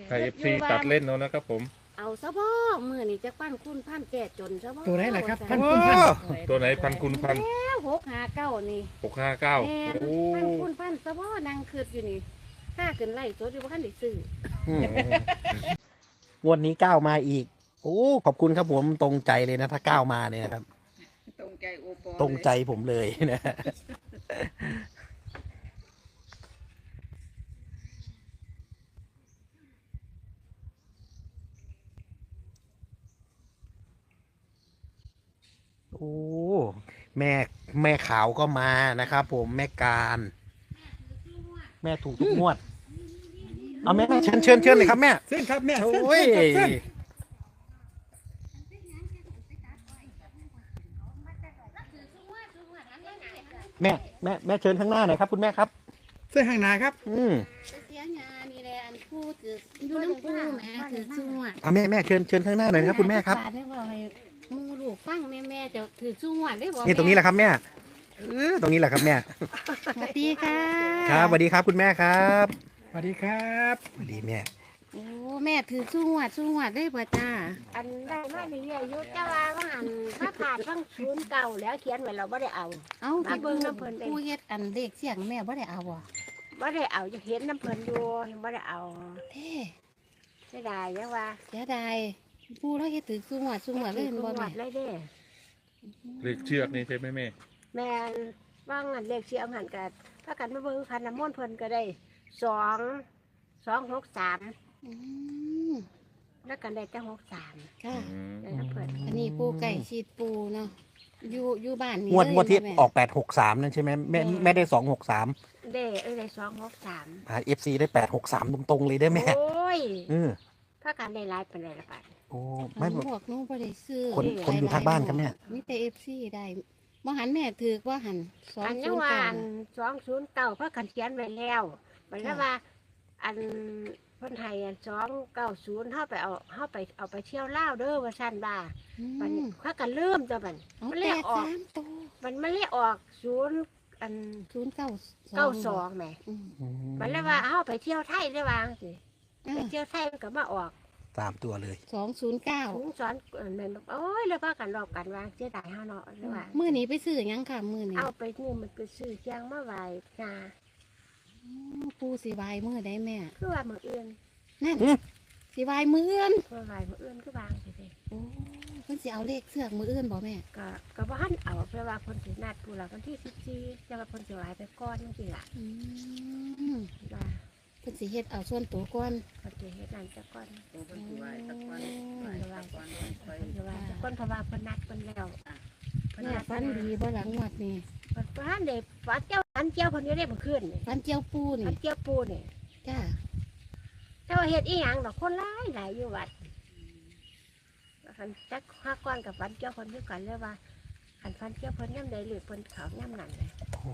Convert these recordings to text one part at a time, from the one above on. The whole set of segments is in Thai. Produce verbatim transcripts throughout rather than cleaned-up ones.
ให้เอฟซีตัดเล่นเนาะนะครับผมเอาซะบ่มือนี่จะปั้นคุณพันแก่จนซะบ่ตัวไหนล่ะครับพันโอ้คุณพันตัวไหนพันคุณพันแล้วหกหาเก้านี่หกห้าเก้าแม่นโอ้พันคุณพันซะบ่นางคืดอยู่นี่ถ้าขึ้นไล่ตัวอยู่บ่ทันได้ซื้องวดนี้ก้าวมาอีกโอ้ขอบคุณครับผมตรงใจเลยนะถ้าก้าวมาเนี่ยนะครับตรงใจโอปอตรงใจผมเลยนะ โอ้แม่แม่ขาวก็มานะครับผมแม่การแม่ถูกทุกงวดเอาแม่แม่เชิญเชิญเชิญเลยครับแม่เส้นครับแม่โอเส้น้ยเส้นครับเส้นแม่แม่แม่เชิญข้างหน้าหน่อยครับคุณแม่ครับเส้นข้างหน้าครับอืมเสียงานนี่แหละอันพูดถืออยู่น้ำปูแม่ถือชั่วเอาแม่แม่เชิญเชิญข้างหน้าหน่อยนะครับคุณแม่ครับบาทได้บ่ให้หมูลูกฟังแม่แม่จะถือชั่วได้บ่นี่ตรงนี้แหละครับแม่เออตรงนี้แหละครับแม่สวัสดีค่ะครับสวัสดีครับคุณแม่ครับสวัสดีครับสวัสดีแม่โอ้แม่ถือชั่วชั่วได้บ่จ้าอันได้มาเรื่อยๆอยู่จ้าว่าว่าอันถ้าผ่านฟังศูนย์เก่าแล้วเขียนไว้เราบ่ได้เอาเอ้ามาที่เบิ่เบิ่งงน้ำเพิ่นเด้ผู้เฮ็ดอันเด็กเสียงแม่บ่ได้เอาอ่ะบ่ได้เอาจะเห็นน้ำเพิ่นอยู่ยังบ่ได้เอาเท่เสียดายยังว่าเสียดายผู้เราเฮ็ดถือสูงหัวสูงหัวเลยเห็นบ่หมแม่ดเลยเด้เลขเชือกนี่ใช่ไหมแม่แม่นว่างอันเลขเสียงหันกันถ้ากันมาเบิ่งคันน้ำมนต์เพิ่นก็ได้สองสองหกสามอืมแล้วกันได้แต่หกสามค่ะอืมได้น้ำเพิ่นอันนี้ปูไก่ชีดปูเนาะอยู่อยู่บ้านนี่งวดเลยงวดที่แม่ออกแปดหกสามนั่นใช่ไหมแม่แม่ได้สองหกสามได้เอ้ยได้สองหกสามเอฟซีได้แปดหกสามตรงๆเลยได้แม่โอ้ยเออถ้ากันได้หลายเป็นไรละปัดโอ้ไม่ไม่พวกหนู้บ่ได้ซื้อคนคนอยู่ทางบ้านครับเนี่ยมีแต่ เอฟ ซี ได้บ่หันแม่ถือว่าหันสองอันศูนี้นย์ว่าเก้าอันสองศูนย์เก้าเพราะกันเขียนไว้แล้วมันแล้วว่า อันเพิ่นให้อันสองเก้าศูนย์เฮาไปเอาเฮาไปเอาไปเที่ยวลาวเด้อว่าซั่นบ่าอืมันมเขากันเริ่มจ้ะบัดเอามันแปเลยดออกสามตัวมันมันเลยออกศูนย์อันศูนย์เก้าเก้าสองแหมอืมมันเลยว่าเฮาไปเที่ยวไทยได้วาจังสิอ่าไปเที่ยวไทยมันก็มาออกสามตัวเลยสองศูนย์เก้าถุงสอนเอิ่นแม่นบอกโอ้ยแล้วพากันรอบกันวางเสียดายเฮาเนาะแล้วว่ามื้อนี้ไปซื้อหยังค่ะมื้อนี้เอาไปนี่มันไปซื้อเชียงมาไหว้นาอ๋อปูสิบายมื้อใดแม่คือว่ามื้ออื่นนั่นอืมสิบายมื้ออื่นเพื่อไหว้มื้ออื่นคือวางสิเด้โอ้เพิ่นสิเอาเลขเสือกมื้ออื่นบ่แม่ก็ก็บ่ทันเอาเพราะว่าเพิ่นสินัดผู้ละวันที่สิบสี่จะว่าเพิ่นสิไหว้ไปก่อนจังซี่ล่ะอืมว่าเพิ่นสิเฮ็ดเอาส่วนตัวก่อนเพิ่นสิเฮ็ดนั่นซะก่อนตัวเป็นสิไหวตะกอนเพิ่นสิไหว้ตะกอนไปเพิ่นสิไหว้ซะก่อนเพราะว่าเพิ่นนัดเพิ่นแล้วเพิ่นแม่นัดฟันดีบ่หลังงวดนี่เพิ่นบ่ทันได้ฝันเจ้าฝันเจ้าเพิ่นอยู่ได้เมื่อคืนนี่ฟันเจียวปูฝันี่นเจ้าปูนี่จ้าแต่ว่าเฮ็ดอีหยังดอกคนหลายหลายอยู่วัดคันจักห้าก้อนกับฝันเจ้าเพิ่นคือกันเลยว่าคันฝันเจ้าเพิ่นย่ำใดหรือเพิ่นเขาย่ำนั่นเลย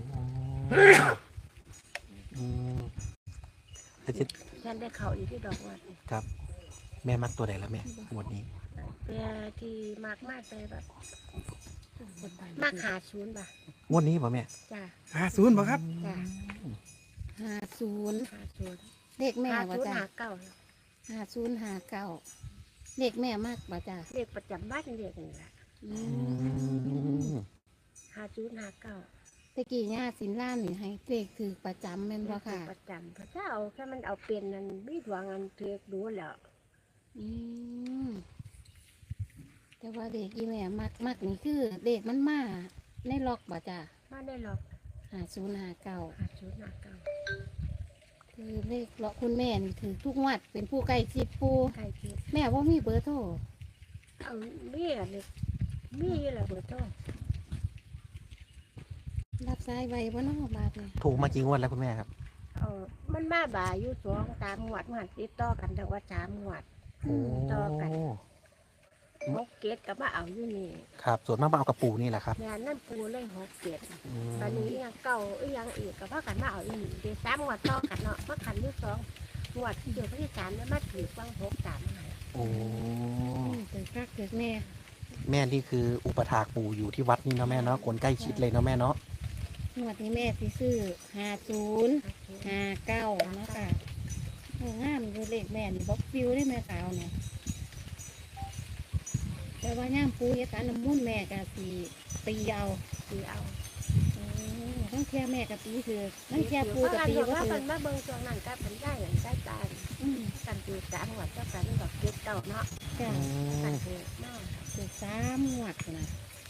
อืมแล้วจะฉันได้เขาอยู่ที่ดอกวัดนี่ครับ แม่มัดตัวไหนแล้วแม่งวดนี้เป็นที่มากมากเลยแบบมากหาศูนย์ป่ะงวดนี้ป่ะแม่จ้าหาศูนย์บ่ครับจ้าห้าศูนย์หาศูนย์เลขแม่หาบ่ศูนย์จ้าหาเก้าห้าศูนย์ห้าเก้าเลขแม่มากบ่จ้าเรียกประจำบ้านเรียกนี่แหละอือืมมหาศูนย์หาเก้าตะกี้ย่าสินล่ามนี่ให้เลขถือประจำแม่นบ่ค่ะประจำพระเจ้าแค่มันเอาเป็นนันมีดวงอันเถือกดูแล้วอืมแต่ว่าเด็กอีแม่มักมักนี่คือเด็กมันมาในล็อกบ่จ้ามาได้หรอกห้าศูนย์ห้าเก้าหาศูนย์หาเก้าคือเลขเลาะคุณแม่นี่ถือทุกงวัดเป็นผู้ใกล้ชิดผู้ใครคิดแม่ว่ามีเบอร์โทรเอามีอะไรมีอะไรเบอร์โทรรับสายไว้บ่เนาะบาทเนี่ยถูกมากี่งวดแล้วคุณแม่ครับเอามันมาบ่ายอยู่สองตามหวดหวดติดต่อกันแต่ว่าสามหวดโอ้ต่อกัน หกเกตกับมาเอาอยู่นี่ครับ ส่วนมากมาเอากระปูนี่แหละครับงานนั่นปูเลยหกเกตอืมตอนนี้ยังเก่าอีหยังอีกกับพ่อกันมาเอาอยู่นี่เดี๋ยวสามหวดต่อกันเนาะเมื่อขันที่สองหวดเดี๋ยวที่สามแล้วมาถือฟังหกสามมาโอ้อืมเกิดคักเกิดแม่แม่นี่คืออุปถากปู่อยู่ที่วัดนี่เนาะแม่เนาะคนใกล้ชิดเลยเนาะแม่เนาะงวดนี้แม่สิซื้อห้าศูนย์ห้าเก้านะคะโอ้เอองามอยู่เลขแม่นี่บอกฟิวได้แม่ขาวเนี่ยแต่ว่าย่ามปูเฮ็ดการน้ำมุ่นต์แม่ก็สิตีเอาตีเอาโอ้ทั้งเทียแม่กับตีคือทั้งเทียปูกับตีว่าก็คือมันมาเบิ่งช่วงนั้นก็เป็นได้อย่างได้ตาอืมกันตีสามหัวเจ้ากันกับเก็บเก่าเนาะจ้ะอืกันมเถิดเนาะคือสามหวดนะ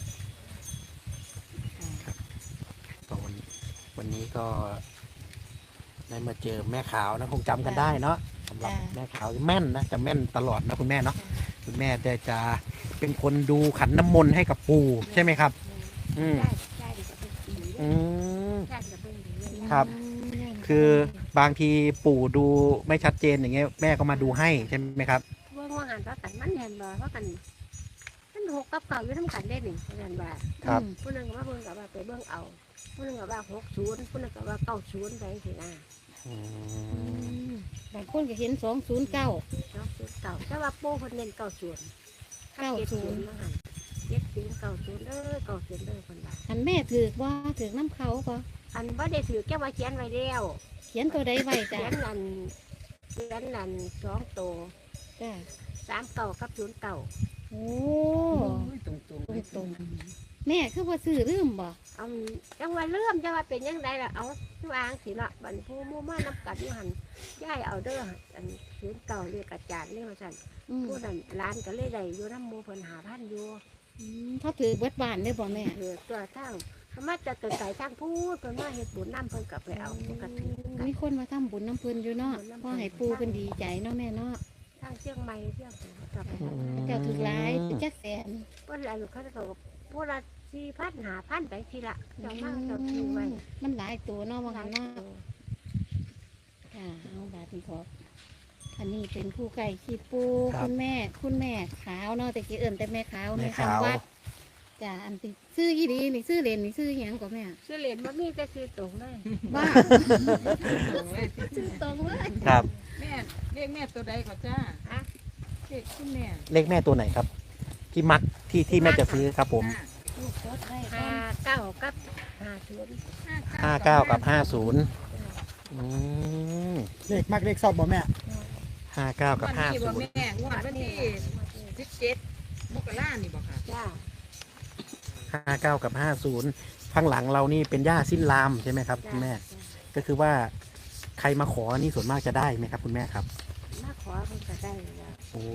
ค่ะก็วันวันนี้ก็ได้มาเจอแม่ขาวนะคงจำกันได้เนาะสำหรับแม่ขาวแม่นนะจะแม่นตลอดนะคุณแม่เนาะคุณแม่จะจะเป็นคนดูขันน้ำมนต์ให้กับปู่ใช่ไหมครับ อืมได้ได้กับเป็นสีอืมได้กับเป็นสีครับ คือบางทีปู่ดูไม่ชัดเจนอย่างเงี้ยแม่ก็มาดูให้ใช่ไหมครับเบิ่งว่าหันว่ากันมันเห็นบ่ว่ากันมันหกกับเก่าอยู่ทั้งกันได้หนึ่งเห็นบ่ครับผู้นึงก็ว่าเบิ่งกับว่าไปเบิ่งเอาผู้นึงก็ว่าหกศูนย์ผู้นึงก็ว่าเก้าศูนย์ไปสินะอือืมมบางคนก็เห็นสองศูนย์เก้าเนาะศูนย์เก่าแต่ว่าปูคนเน้นเก้าศูนย์เก้าศูนย์เจ็ดศูนย์เก้าศูนย์เด้อเก้าศูนย์เด้อคนว่าอันแม่ถือว่าถือน้ำเขาก็อันว่าได้ถือแก้ว่าเขียนไว้แล้วเขียนตัวใดไว้เขีจ้ะยนนั่นเขียนนั่นสองโตจ้ะสามเก่ากับศูนย์เก่าโอ้ตรงตรงตรงตรงๆแม่คือว่าซื้อลืมบ่เอาจังว่าเริ่มจังว่าเป็นยังไงล่ะเอาทุกอ่างสิละบันผู้มู่มานับกัดอยู่หันย่ายเอาเด้ออันศูนย์เก่าเรียกอาจารย์เรียกว่าสั่นอืมผู้นั้นร้านก็เลยได้อยู่น้ำหมูเพิ่นหาพันอยู่อืมเขาถือเบิดบ้านได้บ่แม่เออตัวทั้งสามารถจะเกิดไก่ทั้งพูดเพิ่นมาเฮ็ดบุญน้ำเพิ่นกลับไปเอาปกติกันมีคนมาทำบุญน้ำเพิ่นอยู่เนาะพ่อให้ปูเป็นดีใจเนาะแม่เนาะทั้งเชียงใหม่เชียงใหม่กลับไปอืมเจ้าถือหลายเป็นจักแสนเพิ่นอะไรเขาจะบอกผู้ละสี่พันหาพันไปทีละเจ้ามาเจ้าคิวไว้มันหลายตัวเนาะว่าหลางั้ยนเนาะตัวค่ะเอาบาทนี้ขออันนี้เป็นผู้ไก่ขี้ปูครับคุณแม่คุณแม่ขาวเนาะแต่กี้เอิ่นแต่แม่ขาวแม่แม่ขาวคำวัดจ้ะอันที่ซื้อยี่ดีนี่ซื้อเลนนี่ซื้อหยังก็แม่เสลียนมันมีแต่คือตรงเลยว่าตรงเลยซื้อตรงเลยครับแม่เรียกแม่ตัวใดก็จ้าอะเรียกคุณแม่เลขแม่ตัวไหนครับ ที่มักที่ที่แม่จะซื้อครับผมลูกรถได้ห้าเก้ากับห้าศูนย์ห้าเก้ากับห้าศูนย์อืมเลขมักเลขชอบบ่แม่ห้าเก้ากับวันห้านี้ศูบ่นย์แม่งวดวันที่สิบเจ็ดมกรานี่บ่ค่ะจ้าห้าเก้ากับห้าศูนย์ข้างหลังเรานี่เป็นหญ้าสิ้นลามใช่ไหมครับคุณแม่ ก็คือว่าใครมาขอนี่ส่วนมากจะได้ไหมครับ คุณแม่ครับมาขอเพิ่นก็ได้แล้วโอ้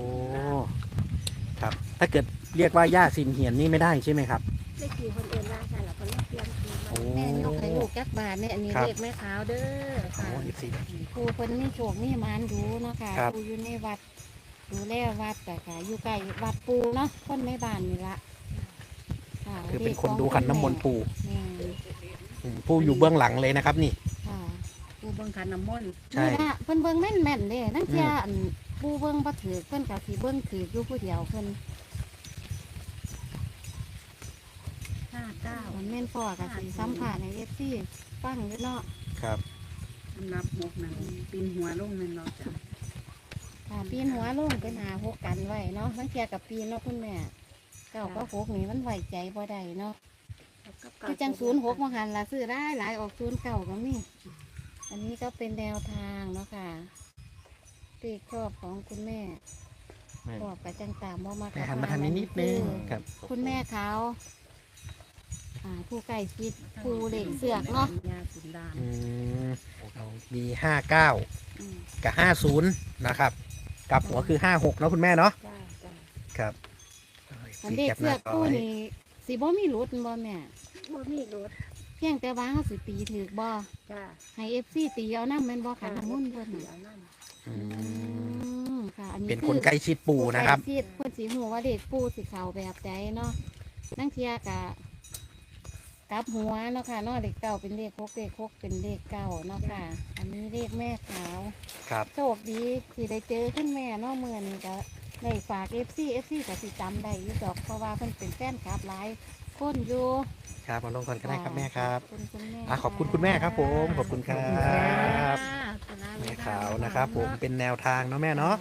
ครับ ถ้าเกิดเรียกว่าหญ้าสินเหียนนี่ไม่ได้ใช่ไหมครับได้กี่คนเอ็นว่าใช่หรอคนเปลี่ยนคือโอ้แม่ยกให้ลูกจักบาทเนี่ยอันนี้ครับเลขแม่ขาวเด้อโอ้ค่ะยสิครูเพิ่นมีโชคมีหมานดูเนาะค่ะครับครูอยู่ในวัดดูแลวัดแต่ค่ะอยู่ใกล้วัดปูเนาะคนในบ้านนี่ละค่ะคือเป็นคนดูขันน้ำมนต์ปู่แม่อืมปู่อยู่เบื้องหลังเลยนะครับนี่ค่ะปูเบิ่งขันน้ำมนต์ใช่นี่ละเพิ่นเบิ่งแม่นแม่นๆเด้นั่นอืมเจ้าอันปูเบิ่งบ่ถือเพิ่นก็สิเบิ่งถืออยู่ผู้เดียวเพิ่นห้าเก้ามันแม่นพ่อก็สิสัมภาษณ์ใน เอฟ ซี ฟังอยู่เนาะครับนับมกนั่นปีนหัวลงนั่นเนาะจ้ะค่ะปีนหัวลงเป็นหาหกกันไว้เนาะทั้งเทียกับปีนเนาะคุณแม่เก้าก็หกนี่มันไหวใจบ่ได้เนาะคือจังศูนย์หกมาหันละซื้อได้หลายออกศูนย์เก่าก็มีอันนี้ก็เป็นแนวทางเนาะค่ะตีครอบของคุณแม่แม่บอกกับจังตามบ่มาแม่หันมาทางนี้นิดนึงครับคุณแม่เขาอ่าผู้ใกล้ชิดผู้เล่งเสือกเนาะยาสุนดานอืมเรามีห้าเก้าอืมกับห้าศูนย์นะครับกลับหัวคือห้าหกเนาะคุณแม่เนาะจ้าจ้าครับอันเด็กเสือกผู้นี่สิบ่มีรุดบ่แม่บ่มีรถเพียงแต่ว่าเขาสิตีถือบ่จ้าให้เอฟซีตีเอาน้ำแม่นบ่ขันน้ำมุ่นต์เพิ่นเดี๋น่ะยวนั่นอือืมมค่ะ อันนี้เป็นคนใกล้ชิดปู่นะครับใกล้ชิดเพิ่นสิฮู้ว่าเด็กปู่สิเข้าแบบใดเนาะนั่งเทียกะกลับหัวเนาะค่ะเนาะเลขเก้าเป็นเลขหกเลขหกเป็นเลขเก้าเนาะค่ะ อันนี้เลขแม่ขาวครับโชคดีที่ได้เจอขึ้นแม่เนาะเมื่อนี้ก็ได้ฝาก เอฟ ซี เอฟ ซี ก็สิจำได้อยู่ดอกเพราะว่าเพิ่นเป็นแฟนคลับหลายคนอยู่ครับมาลงก่อนก็ได้ครับแม่ครับขอบคุณคุณแม่อ่ะขอบคุณคุณแม่ครับผมขอบคุณครับค่ะแม่ขาวนะครับ ผมเป็นแนวทางเนาะแม่เนาะ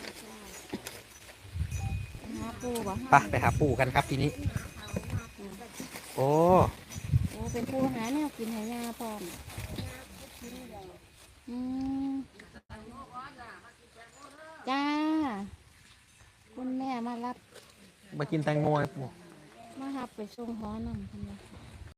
หาปูบ่ไปไปหาปู่กันครับทีนี้ โอ้โอ้เป็นปูหาแนวกินให้ยาพร้อมอืมรับมากินแตงโมให้ปู่มาหับไปส่งหอนำเพิ่นว่า